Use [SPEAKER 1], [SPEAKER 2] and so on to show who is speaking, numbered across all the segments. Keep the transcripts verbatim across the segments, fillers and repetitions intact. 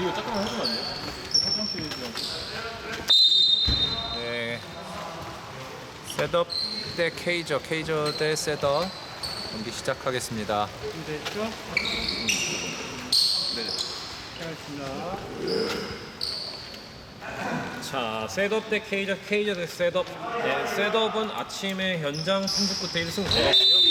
[SPEAKER 1] 이거 잠깐만 해주면 안 돼요?
[SPEAKER 2] 네. 셋업 대 케이저, 케이저 대 셋업 경기 시작하겠습니다.
[SPEAKER 3] 준비됐죠?
[SPEAKER 1] 네.
[SPEAKER 3] 시작하겠습니다.
[SPEAKER 1] 자, 셋업 대 케이저, 케이저 대 셋업. 네, 셋업은 아침에 현장 승부 끝에 일 승 거뒀고요.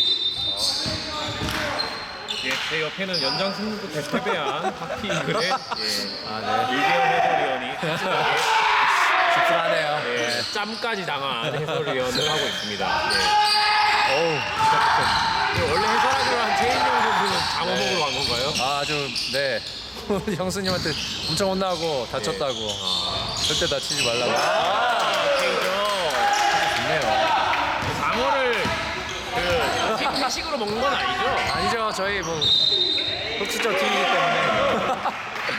[SPEAKER 1] 예, 제 옆에는 연장 승부 끝에 패배한 하키 이글의 예,
[SPEAKER 2] 아, 네.
[SPEAKER 1] 이기현 해설위원이 씁쓸하게
[SPEAKER 2] 씁쓸하네요.
[SPEAKER 1] 예, 짬까지 당한 해설위원을 하고 있습니다. 예.
[SPEAKER 2] 어우,
[SPEAKER 1] 예, 원래 해설하기로 한 최인영 선수는 장어
[SPEAKER 2] 네.
[SPEAKER 1] 먹으러 간 건가요?
[SPEAKER 2] 아, 아주, 네. 형수님한테 엄청 혼나고 다쳤다고. 절대 다치지 말라고.
[SPEAKER 1] 아, 케이저.
[SPEAKER 2] 좋네요.
[SPEAKER 1] 장어를 그 회식으로 먹는 건 아니죠?
[SPEAKER 2] 아니죠. 저희 뭐 흑수저 팀이기 때문에. 아,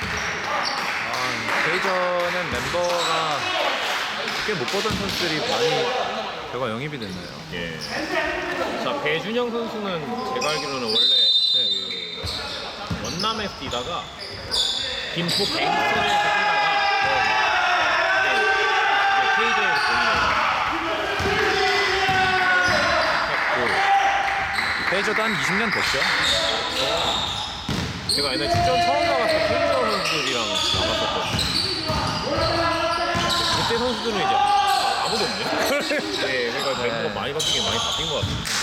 [SPEAKER 2] 케이저는 멤버가 꽤 못 보던 선수들이 많이 결과 영입이 됐네요.
[SPEAKER 1] 예. 자, 배준영 선수는 제가 알기로는 원래 그 원남에서 뛰다가 김포 갱스에서 뛰다가 네, 이제 케이저에서 보이네요.
[SPEAKER 2] 케이저도 한 이십 년 됐죠.
[SPEAKER 1] 제가 옛날에 출전 처음 나갔을 때 케이저 선수들이랑 나갔었거든요. 그때 선수들은 이제 아무도 없네. 네, 그러니까 멤버가
[SPEAKER 2] 네.
[SPEAKER 1] 많이 바뀌긴 많이 바뀐 것 같습니다.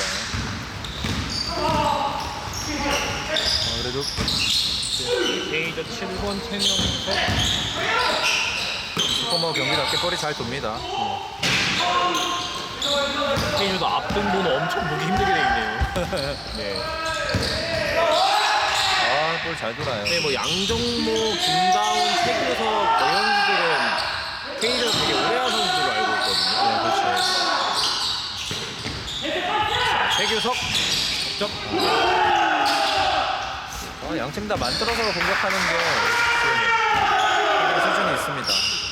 [SPEAKER 2] 아, 그래도
[SPEAKER 1] 케이저 칠 번 최명석.
[SPEAKER 2] 슈퍼머 경기답게 볼이 잘 돕니다.
[SPEAKER 1] 케이저도 앞등보는 엄청 보기 힘들게 돼 있네요. 네.
[SPEAKER 2] 아, 볼 잘 돌아요.
[SPEAKER 1] 네, 뭐 양정모, 김다운, 최규석 이런 선수들은 케이저 되게 오래한 선수로 알고 있거든요.
[SPEAKER 2] 네, 그렇죠.
[SPEAKER 1] 자, 최규석 득점.
[SPEAKER 2] 아, 양팀 다 만들어서 공격하는 게 수준이 있습니다.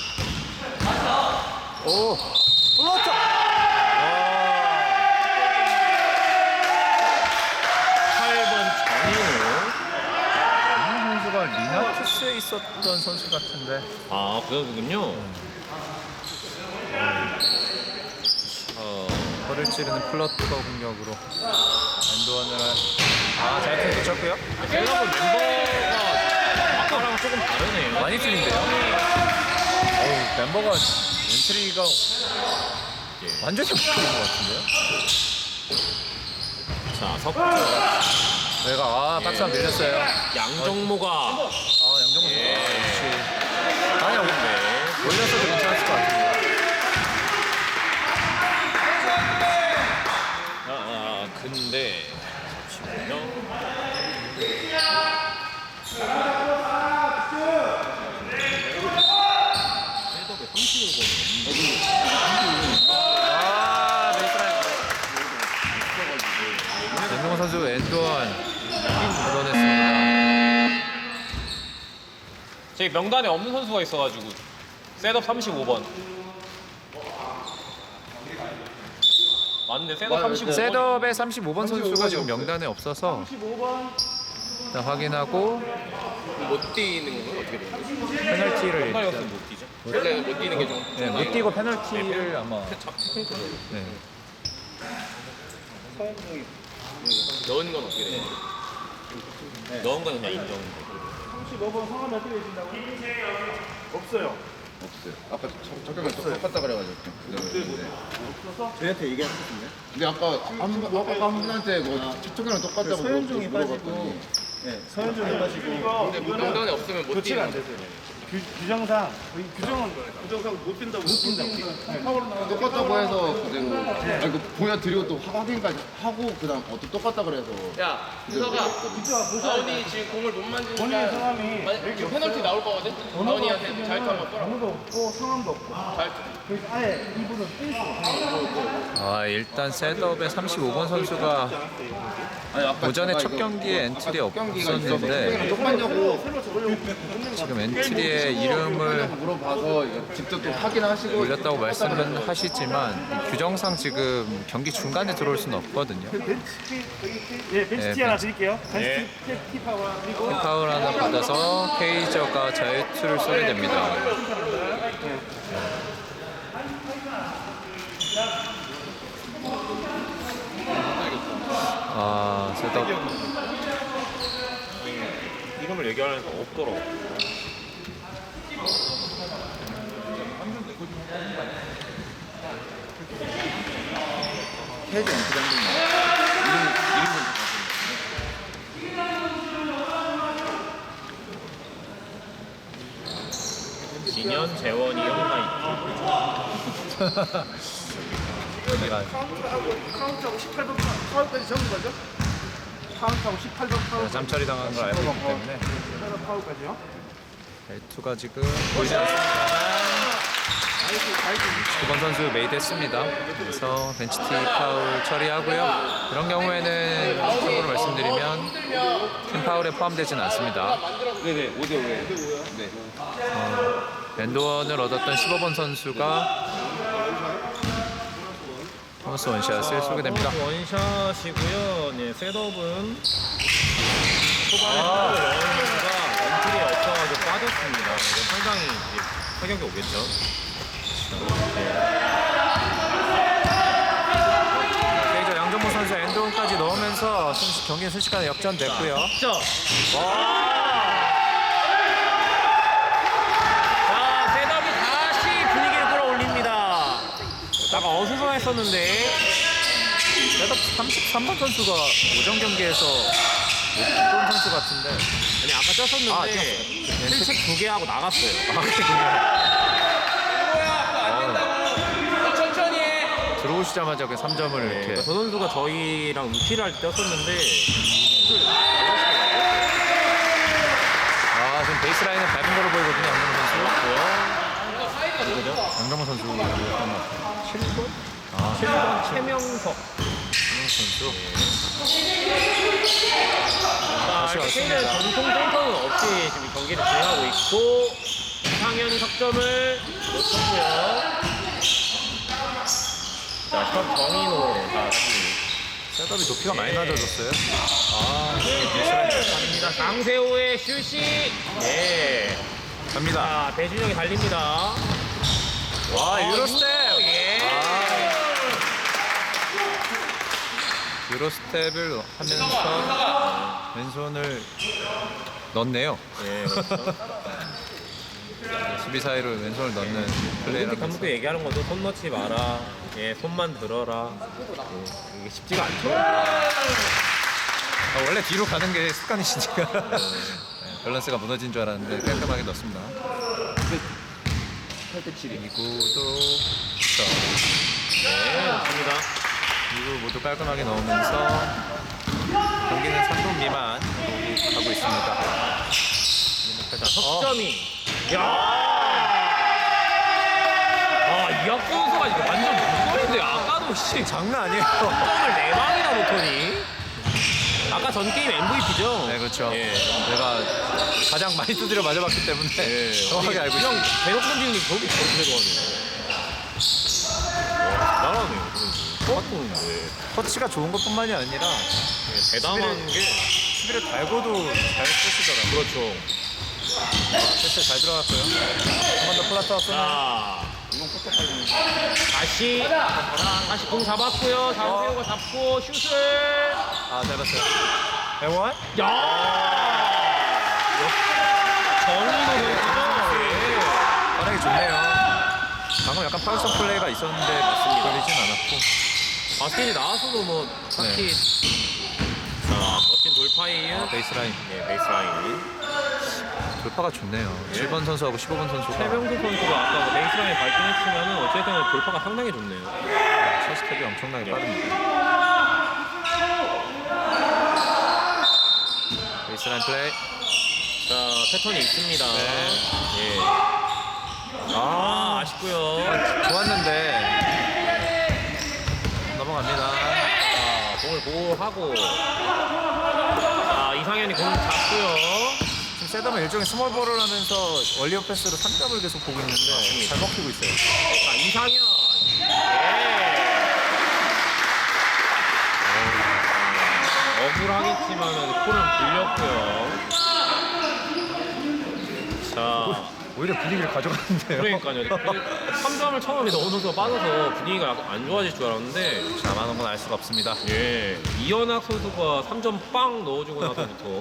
[SPEAKER 2] 오, 플로터.
[SPEAKER 1] 팔 번 정인우.
[SPEAKER 2] 이 선수가 리나투스에 있었던 선수 같은데.
[SPEAKER 1] 아, 그 선수군요.
[SPEAKER 2] 어, 허를 찌르는 플러터 공격으로 엔드원을 아, 잘 던졌고요.
[SPEAKER 1] 셀럽은 멤버가 아까랑 조금 다르네요.
[SPEAKER 2] 많이 틀린데요? 어우, 멤버가 엔트리가
[SPEAKER 1] 예.
[SPEAKER 2] 완전히 바뀌는 것 같은데요?
[SPEAKER 1] 자, 석점.
[SPEAKER 2] 저희가 아, 박스 한 밀렸어요.
[SPEAKER 1] 양정모가
[SPEAKER 2] 아, 양정모 선수.
[SPEAKER 1] 예.
[SPEAKER 2] 아, 역시. 아니야,
[SPEAKER 1] 네.
[SPEAKER 2] 올렸어도 괜찮았을 것 같은데.
[SPEAKER 1] 아, 아, 근데 잠시만요.
[SPEAKER 2] 아, 베이스라인. 양정모 선수 엔드원 얻어냈습니다.
[SPEAKER 1] 제 명단에 없는 선수가 있어가지고 셋업 삼십오 번. 맞는데 셋업 삼십오 번.
[SPEAKER 2] 셋업의 삼십오 번 선수가 지금 명단에 없어서
[SPEAKER 3] 삼십오 번.
[SPEAKER 2] 일단 확인하고
[SPEAKER 4] 못 뛰는 건 어떻게 돼요?
[SPEAKER 2] 페널티를
[SPEAKER 1] 헷갈렸으면
[SPEAKER 2] 일단
[SPEAKER 1] 못 뛰죠.
[SPEAKER 4] 원래 못 뛰는 게 좀.
[SPEAKER 2] 네, 못 뛰고 페널티를 아마 네.
[SPEAKER 4] 넣은 건 어떻게 돼요?
[SPEAKER 1] 넣은 건 그냥 인정.
[SPEAKER 3] 삼십오 번 성함이 어떻게 되신다고? 없어요.
[SPEAKER 5] 없어요. 아까 잠깐만 똑같다 그래가지고. 네.
[SPEAKER 3] 저희한테 얘기하셨는데?
[SPEAKER 5] 근데 아까 한 분, 아까 한 분한테 뭐 첫경이랑 똑같다고
[SPEAKER 3] 서현종이
[SPEAKER 5] 물어봤더니
[SPEAKER 3] 빠지고, 네, 서현종이 빠지고.
[SPEAKER 4] 근데 뭐 명단에 없으면 못
[SPEAKER 3] 교체가 안
[SPEAKER 4] 뛰는
[SPEAKER 3] 되세요. 규, 규정상 저희 규정은 규정상 못 뛴다고 못 뛴다고.
[SPEAKER 5] 똑같다고 해서 그대로 아니 그 보여드리고 또 확인까지 하고 그다음 어또 똑같다 그래서
[SPEAKER 4] 야, 부서가 다운이 지금 공을 못
[SPEAKER 3] 본인의
[SPEAKER 4] 만지니까
[SPEAKER 3] 성함이
[SPEAKER 4] 만약 페널티 나올 거거든? 다운이한테 잘 타면 떠라.
[SPEAKER 3] 번호도 없고 성함도 없고.
[SPEAKER 4] 잘
[SPEAKER 3] 그래서 아예 이분은 뛸 수 없어요.
[SPEAKER 2] 아, 일단 셋업의 삼십오 번 선수가
[SPEAKER 5] 아니, 아까
[SPEAKER 2] 오전에
[SPEAKER 5] 제가
[SPEAKER 2] 첫
[SPEAKER 5] 이거
[SPEAKER 2] 경기에
[SPEAKER 5] 아까
[SPEAKER 2] 엔트리
[SPEAKER 5] 첫 경기가 있어서
[SPEAKER 2] 없었는데
[SPEAKER 5] 형이랑 똑같냐고
[SPEAKER 2] 지금 엔트리의 이름을
[SPEAKER 5] 물어봐서 이거 직접 또 확인하시고
[SPEAKER 2] 올렸다고 말씀은 하시지만 이 규정상 지금 경기 중간에 들어올 수는 없거든요.
[SPEAKER 3] 예, 벤치
[SPEAKER 2] 네,
[SPEAKER 3] 티 하나
[SPEAKER 2] 벤치.
[SPEAKER 3] 드릴게요.
[SPEAKER 1] 네.
[SPEAKER 3] 벤치 티 파워 그리고
[SPEAKER 2] 파울 하나 받아서 케이저가 자유투를 쏘게 됩니다. 아, 셋업.
[SPEAKER 1] 이름을 얘기하려니까 없더라.
[SPEAKER 5] 해지 엔트리 한 번만 이름 이름 좀
[SPEAKER 1] 진현, 재원이, 형나
[SPEAKER 2] 여기가
[SPEAKER 3] 카운트하고 카운트하고 십팔 번 파울까지 적은 거죠? 카운트하고 십팔 번 파울
[SPEAKER 2] 잠처리 당한 걸 알고 있기 때문에
[SPEAKER 3] 십팔 번 파울까지요?
[SPEAKER 2] 엘투가 지금 보이지 않습니다. 두 번 선수 메이드했습니다. 그래서 벤치티 파울 처리하고요. 이런 경우에는 참고로 말씀드리면 팀 파울에 포함되지는 않습니다.
[SPEAKER 5] 네네 오 대 오에 네.
[SPEAKER 2] 엔드원을 얻었던 십오 번 선수가 토마스 원샷을 쏘게 됩니다.
[SPEAKER 1] 원샷이고요. 네, 셋업은 초반에 영원수가 엔트리에 없어가지고 빠졌습니다. 이거 상당히 이제 타격이 오겠죠.
[SPEAKER 2] 케이저 양정모 선수 엔드원까지 넣으면서 순- 경기는 순식간에 역전됐고요.
[SPEAKER 1] 진짜. 자, 셋업이 다시 분위기를 끌어올립니다. 약간 어수선했었는데.
[SPEAKER 2] 그래도 삼십삼 번 선수가 오전 경기에서 못본 선수 같은데.
[SPEAKER 1] 아니 아까
[SPEAKER 2] 아,
[SPEAKER 1] 쪘었는데
[SPEAKER 2] 뛰었어요.
[SPEAKER 1] 실책 두 개 하고 나갔어요.
[SPEAKER 2] 아, 그래요?
[SPEAKER 4] 천천히 해.
[SPEAKER 2] 들어오시자마자 그 삼 점을 이렇게.
[SPEAKER 1] 저 선수가 저희랑 루키를 할 때 뛰었었는데
[SPEAKER 2] 아, 지금 베이스라인은 밟은 거로 보이거든요, 양정모 선수. 양정모 선수. 칠 번? 아,
[SPEAKER 1] 칠 번 최명석
[SPEAKER 2] 선수.
[SPEAKER 1] 자,
[SPEAKER 2] 다시
[SPEAKER 1] 케이는
[SPEAKER 2] 왔습니다.
[SPEAKER 1] 전통 센터는 없이 지금 경기를 진행하고 있고 이상현 석점을 놓쳤고요. 자, 첫 정인호 자, 다시
[SPEAKER 2] 셋업이 높이가 많이 낮아졌어요. 아, 베이스라인
[SPEAKER 1] 갑니다. 장세호의 슛이 네.
[SPEAKER 2] 갑니다.
[SPEAKER 1] 자, 배준영이 달립니다.
[SPEAKER 2] 와, 유로 스텝!
[SPEAKER 1] 예.
[SPEAKER 2] 유로 스텝을 하면서 왼손을 넣네요.
[SPEAKER 1] 예, 그렇죠.
[SPEAKER 2] 수비 사이로 왼손을 넣는 플레이를
[SPEAKER 1] 올림픽
[SPEAKER 2] 하면서.
[SPEAKER 1] 감독도 얘기하는 것도 손 넣지 마라. 예, 손만 들어라. 예, 이게 쉽지가 않죠.
[SPEAKER 2] 아, 원래 뒤로 가는 게 습관이시니까 네, 밸런스가 무너진 줄 알았는데 깔끔하게 넣습니다.
[SPEAKER 5] 팔 대 칠이
[SPEAKER 2] 이구도 자,
[SPEAKER 1] 네, 좋습니다.
[SPEAKER 2] 이구 모두 깔끔하게 넣으면서 경기는 삼 분 미만 가고 있습니다.
[SPEAKER 1] 자, 석점이. 야! 아, 이학주 선수가 이거 완전 무서운데 아까도 씨
[SPEAKER 2] 장난 아니에요.
[SPEAKER 1] 석점을 네 방이나 놓더니. 아까 전 게임 엠브이피죠?
[SPEAKER 2] 네, 그렇죠.
[SPEAKER 1] 예.
[SPEAKER 2] 내가 가장 많이 두드려 맞아봤기 때문에
[SPEAKER 1] 예.
[SPEAKER 2] 정확하게 알고
[SPEAKER 1] 그냥
[SPEAKER 2] 있습니다.
[SPEAKER 1] 대놓고 던지는 게 저기 저렇게 들어가네요. 와, 대단하네요. 똑같은데.
[SPEAKER 2] 터치가 좋은 것뿐만이 아니라
[SPEAKER 1] 대단한 게.
[SPEAKER 2] 수비를 달고도 잘 쓰시더라고요.
[SPEAKER 1] 그렇죠.
[SPEAKER 2] 아, 패스 잘 들어갔고요. 한 번 더 플라터 쏘는.
[SPEAKER 1] 자, 다시 다시 공 잡았고요. 장세호가 잡고 슛을.
[SPEAKER 2] 아, 잘했어요. 대원?
[SPEAKER 1] 야! 정인호 선수죠.
[SPEAKER 2] 반응이 좋네요. 방금 약간 파울성 플레이가 있었는데 걸리진 않았고.
[SPEAKER 1] 바스켓이 나와서도 뭐 딱히. 자, 멋진 돌파이에요.
[SPEAKER 2] 베이스라인
[SPEAKER 1] 네, 베이스라인.
[SPEAKER 2] 돌파가 좋네요. 칠 번 선수하고 십오 번 선수가
[SPEAKER 1] 최병수 선수가 아까 뭐 베이스라인 발등했지만은 어쨌든 돌파가 상당히 좋네요.
[SPEAKER 2] 첫 스텝이 엄청나게 빠릅니다. 베이스라인 플레이.
[SPEAKER 1] 자, 패턴이 있습니다. 예.
[SPEAKER 2] 아,
[SPEAKER 1] 아, 아쉽고요.
[SPEAKER 2] 좋았는데 넘어갑니다.
[SPEAKER 1] 자, 공을 보호하고. 자, 이상현이 공을 잡고요.
[SPEAKER 2] 지금 세덤은 일종의 스몰볼을 하면서 원리어 패스로 삼 점을 계속 보고 있는데 잘 먹히고 있어요.
[SPEAKER 1] 자, 이상현. 예. 억울하겠지만은 콜은 불렸고요. 자,
[SPEAKER 2] 오히려 분위기를 가져가는데요.
[SPEAKER 1] 그러니까요. 삼 점을 처음에 넣은 선수가 빠져서 분위기가 약간 안 좋아질 줄 알았는데,
[SPEAKER 2] 자만한 건 알 수가 없습니다.
[SPEAKER 1] 예, 이현학 선수가 삼 점 빵 넣어주고 나서부터.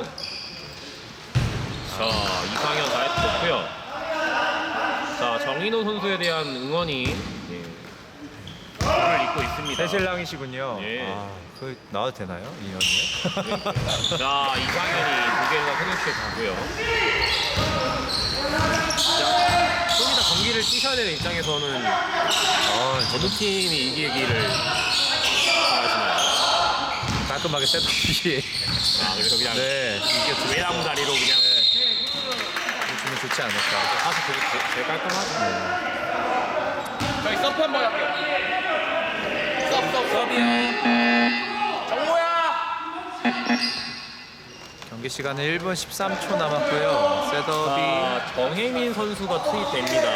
[SPEAKER 1] 자, 이상현 나이스 좋고요. 자, 정인호 선수에 대한 응원이 예, 를 잇고 있습니다.
[SPEAKER 2] 새신랑이시군요.
[SPEAKER 1] 예.
[SPEAKER 2] 아, 그 나와도 되나요? 이 년이?
[SPEAKER 1] 자, 이상현이 두 개가 소개시켜 주고요. 자, 좀 이따 경기를 뛰셔야 되는 입장에서는
[SPEAKER 2] 어,
[SPEAKER 1] 어느 팀이 이기기를 바라시나요?
[SPEAKER 2] 깔끔하게 세덤이
[SPEAKER 1] 아, 그래서 그냥
[SPEAKER 2] 네, 이게
[SPEAKER 1] 외랑 자리로 그냥
[SPEAKER 2] 주면 좋지 않을까.
[SPEAKER 1] 사실 되게 제- 제일 깔끔하죠.
[SPEAKER 4] 저희 서프 한번 할게요. 서프 서프
[SPEAKER 1] 서비요.
[SPEAKER 4] 정모야.
[SPEAKER 2] 경기 시간은 일 분 십삼 초 남았고요. 셋업이
[SPEAKER 1] 자, 정혜민 선수가 투입됩니다.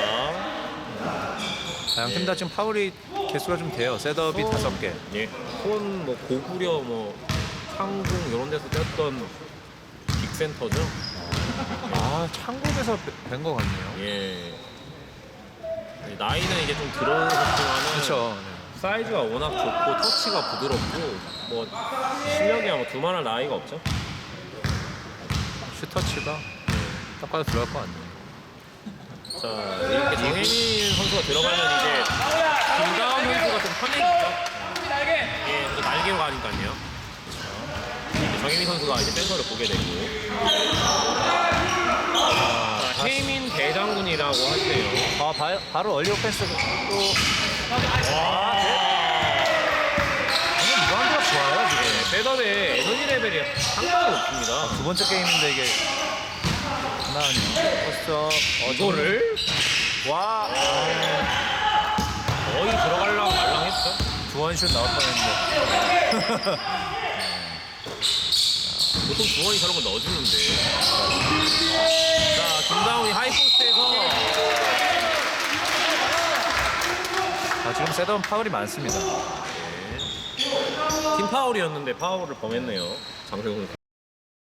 [SPEAKER 2] 양팀 다 지금 파울이 개수가 좀 돼요. 셋업이
[SPEAKER 1] 어.
[SPEAKER 2] 다섯 개.
[SPEAKER 1] 예, 손, 뭐 고구려, 뭐 상궁 이런 데서 떴던 빅센터죠.
[SPEAKER 2] 아, 창국에서 뵌 것 같네요.
[SPEAKER 1] 예. 나이는 이제 좀 들어섰지만은
[SPEAKER 2] 그렇죠.
[SPEAKER 1] 사이즈가 워낙 좋고 터치가 부드럽고 뭐 실력이야 뭐 두말할 나이가 없죠.
[SPEAKER 2] 슈터치가 딱 봐도 들어갈 것 같네요.
[SPEAKER 1] 자, 이렇게 정혜민 선수가 들어가면 이제 김가은 선수가 좀 편해지죠. 예, 또 날개로 가니까요. 이제 정혜민 선수가 이제 센터를 보게 되고. 자, 혜민 대장군이라고 하세요.
[SPEAKER 2] 아, 바, 바로 얼리 오펜스 또
[SPEAKER 1] 와,
[SPEAKER 2] 오늘 리바운드가 좋아요 지금.
[SPEAKER 1] 셋업의 에너지 레벨이 상당히 높습니다.
[SPEAKER 2] 두 번째 게임인데 이게 하나아니요. 포스트업 어,
[SPEAKER 1] 이거를
[SPEAKER 2] 와
[SPEAKER 1] 거의 들어가려고 말랑했죠.
[SPEAKER 2] 두원슛 나올 뻔했는데.
[SPEAKER 1] 보통 주원이 저런 거 넣어주는데. 자, 김다운이 하이포스트에서
[SPEAKER 2] 아, 지금 셋업은 파울이 많습니다.
[SPEAKER 1] 팀 파울이었는데 파울을 범했네요. 장세훈 선수.